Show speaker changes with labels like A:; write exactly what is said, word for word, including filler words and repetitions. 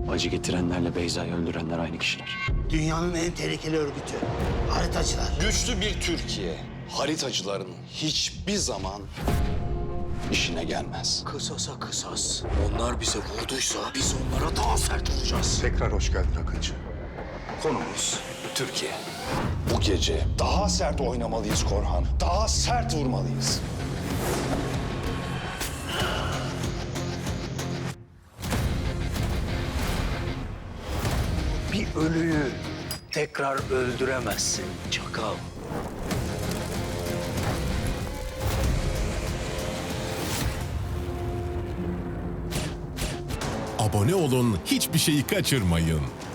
A: Acı getirenlerle Beyza'yı öldürenler aynı kişiler.
B: Dünyanın en tehlikeli örgütü. Haritacılar.
C: Güçlü bir Türkiye, haritacıların hiçbir zaman işine gelmez.
B: Kısasa kısas. Onlar bize vurduysa biz onlara daha sert vuracağız.
D: Tekrar hoş geldin Akıncı.
C: Konumuz Türkiye. Bu gece daha sert oynamalıyız Korhan. Daha sert vurmalıyız.
A: Bir ölüyü tekrar öldüremezsin çakal.
E: Abone olun, hiçbir şeyi kaçırmayın.